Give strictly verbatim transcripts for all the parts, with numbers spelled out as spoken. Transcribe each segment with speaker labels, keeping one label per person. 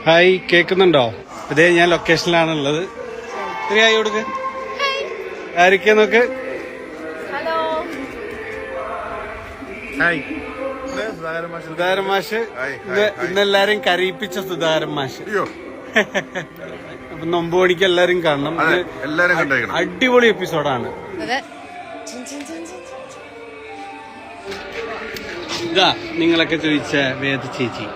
Speaker 1: Hi, കേൾക്കുന്നുണ്ടോ? ഇതേ ഞാൻ ലൊക്കേഷനിലാണുള്ളത്. ഇത്തിരി ഹായ് കൊടുക്ക്. ആരൊക്കെയാ നോക്ക്. ഹായ്, സുധാകരൻ മാഷ്. ഇന്നെല്ലാരും കരയിപ്പിച്ച സുധാകരൻ മാഷ്. അപ്പൊ നൊമ്പ് മണിക്ക് എല്ലാരും കാണണം. അടിപൊളി എപ്പിസോഡാണ്. ഇതാ നിങ്ങളൊക്കെ ചോദിച്ച വേദ ചേച്ചി.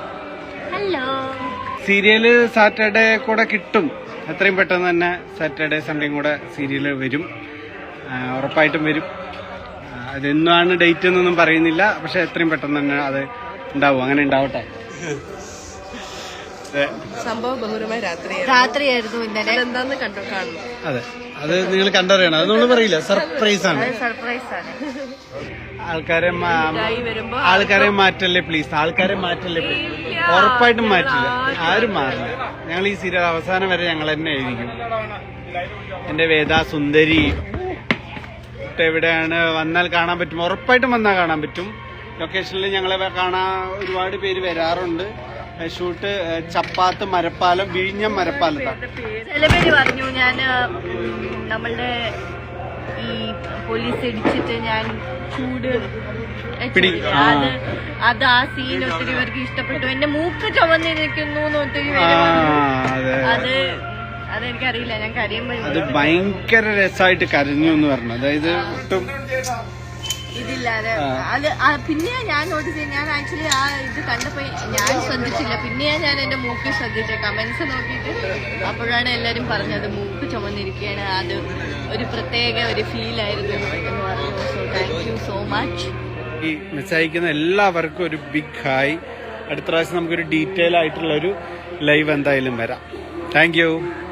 Speaker 1: സീരിയല് സാറ്റർഡേ കൂടെ കിട്ടും. എത്രയും പെട്ടെന്ന് തന്നെ സാറ്റർഡേ സൺഡേയും കൂടെ സീരിയല് വരും, ഉറപ്പായിട്ടും വരും. അതെന്നാണ് ഡേറ്റ് എന്നൊന്നും പറയുന്നില്ല, പക്ഷെ എത്രയും പെട്ടെന്ന് തന്നെ അത് ഉണ്ടാവും. അങ്ങനെ ഉണ്ടാവട്ടെ.
Speaker 2: സംഭവ ബഹുരമായ
Speaker 3: രാത്രിയായിരുന്നു ഇന്നലെ.
Speaker 2: എന്താന്ന് കണ്ടു കാണണം.
Speaker 1: അതെ, അത് നിങ്ങൾ കണ്ടറിയണം. അത് നമ്മൾ പറയില്ല, സർപ്രൈസ് ആണ്.
Speaker 3: സർപ്രൈസ് ആണ്.
Speaker 1: ആൾക്കാരെ ആൾക്കാരെ മാറ്റല്ലേ പ്ലീസ്, ആൾക്കാരെ മാറ്റല്ലേ പ്ലീസ്. ഉറപ്പായിട്ടും മാറ്റില്ല, ആരും മാറില്ല. ഞങ്ങൾ ഈ സീരിയൽ അവസാനം വരെ ഞങ്ങൾ തന്നെ ആയിരിക്കും. എന്റെ വേദ സുന്ദരി എവിടെയാണ് വന്നാൽ കാണാൻ പറ്റും, ഉറപ്പായിട്ടും വന്നാൽ കാണാൻ പറ്റും. ലൊക്കേഷനിൽ ഞങ്ങളെ കാണാൻ ഒരുപാട് പേര് വരാറുണ്ട്. ഷൂട്ട് ചപ്പാത്ത് മരപ്പാലം, വിഴിഞ്ഞം മരപ്പാലത്താണ്.
Speaker 3: ചില പേര് പറഞ്ഞു ഞാൻ നമ്മളുടെ ഈ പോലീസ് ഇടിച്ചിട്ട് ഞാൻ ചൂട് അത് അത് ആ സീൻ ഒത്തിരി പേർക്ക് ഇഷ്ടപ്പെട്ടു. എന്റെ മൂക്ക് ചുവന്നിരിക്കുന്നു ഒത്തിരി പേര്. അത് അതെനിക്കറിയില്ല, ഞാൻ കരയുമ്പോ
Speaker 1: അത് ഭയങ്കര രസമായിട്ട് കരഞ്ഞു എന്ന് പറഞ്ഞു. അതായത് ഒട്ടും
Speaker 3: ഇതില്ലാതെ അത് പിന്നെ ഞാൻ നോട്ടീസ് ചെയ്ത്, ഞാൻ ആക്ച്വലി ആ ഇത് കണ്ടപ്പോ ഞാൻ ശ്രദ്ധിച്ചില്ല. പിന്നെയാ ഞാൻ എന്റെ മൂക്ക് ശ്രദ്ധിച്ച കമന്റ്സ് നോക്കിയിട്ട്. അപ്പോഴാണ് എല്ലാരും പറഞ്ഞത് മൂക്ക് ചുമന്നിരിക്കുകയാണ്, അത് ഒരു പ്രത്യേക ഒരു ഫീൽ ആയിരുന്നു എന്ന് പറഞ്ഞു. So thank you so much.
Speaker 1: ഈ മെസ്സേജ് അയക്കുന്ന എല്ലാവർക്കും ഒരു ബിഗ് ഹായ്. അടുത്ത പ്രാവശ്യം നമുക്കൊരു ഡീറ്റെയിൽ ആയിട്ടുള്ള ഒരു ലൈവ് എന്തായാലും വരാം. Thank U.